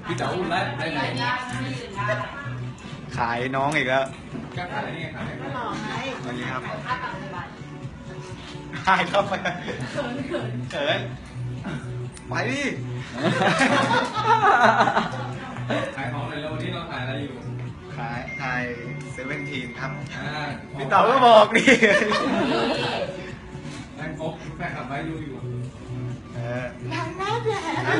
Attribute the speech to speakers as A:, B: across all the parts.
A: พี่เต๋าอุ่นแล้วได้ไหน
B: ขายน้องอีกแล้ว
A: ก็ขายนี่ไงขาย
C: หล่อไง
B: วันนี้ครับหายเข้าไปเขินไปดิ
A: ขายของเลยแล้ววันนี้เราขายอะไรอยู่
B: ขาย17ครับ
A: อ่า
B: พี่เต๋าก็บอกดิ
A: แฟนคบแฟนขับไว้ดูอยู่
C: นางหน้าแผล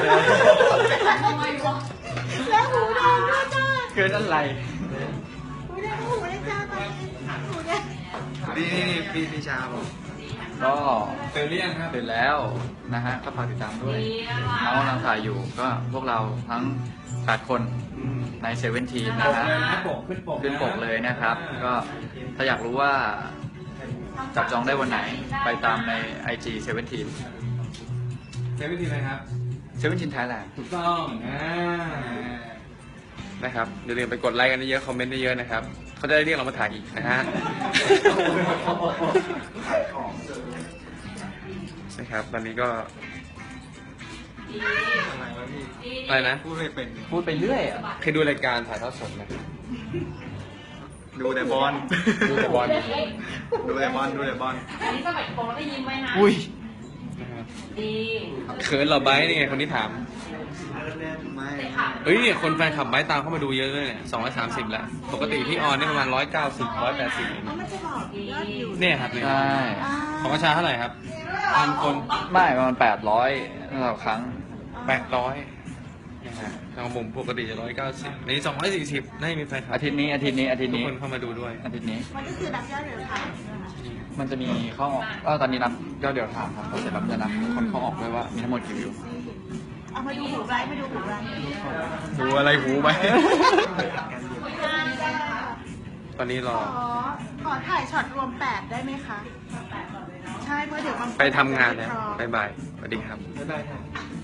C: แล้วหูแดงด้วยจ้า
B: เกินอะไร
C: หูแดงหูแดงจ้าตอนนี้หูแดง
B: นี่พี่ชาบอก
D: ก็
A: เตือนเรียงครับ
D: ตื่นแล้วนะฮะก็ฝากติดตามด้วยน้องกำลังถ่ายอยู่ก็พวกเราทั้ง8คนในเซเว่นทีนะ
A: ปก
D: ฮะ
A: เลยนะปกขึ้นปก
D: ขึ้นปกเลยนะครับ ก็ถ้าอยากรู้ว่าจับจองได้วันไหนไปตามใน IG เซเว่นที
A: ใช้วิธีอะไรครับ
D: เซเว่นทีไทยแลนด์
A: ถูกต้องนะครับอย่าลืมไปกดไลค์กันเยอะๆคอมเมนต์เยอะๆนะครับเขาจะได้เรียกเรามาถ่ายอีกนะฮะนะครับตอนนี้ก็อะไรนะ
B: พูดไม่เป็น
D: พูดไปเรื่อยอะ
A: เคยดูรายการถ่ายทอดสดไหม
B: ดูแต่บอล
A: ดูแต่บอล
B: ดูแต่บอลดูแต่บอล
E: อันนี้สมัยโตได้ยินไหมนะ
D: อุ้ย
E: ดี
A: เขินเหราไบร์ทนี่ไงคนที่ถาม
B: ไม่
A: เอ้ยคนแฟนคลับไบร์ทตามเข้ามาดูเยอะเลยเนี่ย230แล้วปกติที่ออนนี่ประมาณ190 180
C: เอามันจะบอกยอดวิว
A: เนี่ยครับเนี่ย
D: ใช่
A: ของประชาเท่าไหร่ครับพันคน
D: ไม่ประมาณ800ต่อครั้ง
A: 800นะฮะของผมปกติจะ190ใน240น่าจะมีแฟนคลับ
D: อาทิตย์นี้
A: ทุกคนเข้ามาดูด้วย
D: อาทิตย์นี้
C: มันก็คือนับยอดเดือนค่ะ
D: มันจะมีเข้าออกตอนนี้นับยอดเดียวถามครับเสร็จแล้วมันจะนับคนเข้าออกด้วยว่ามีทั้งหมดกี่วิว
C: เอามาดูหูไว้มาดูหูไว้
B: หูอะไรหูไป
A: ตอนนี้รอ
C: ขอถ่ายช็อตรวม8ได้ไหมคะใช่เพราะเดี๋ยวบางคน
A: ไปทำงานแล้วบ๊ายบายสวัสดีครับ
B: บ๊ายบาย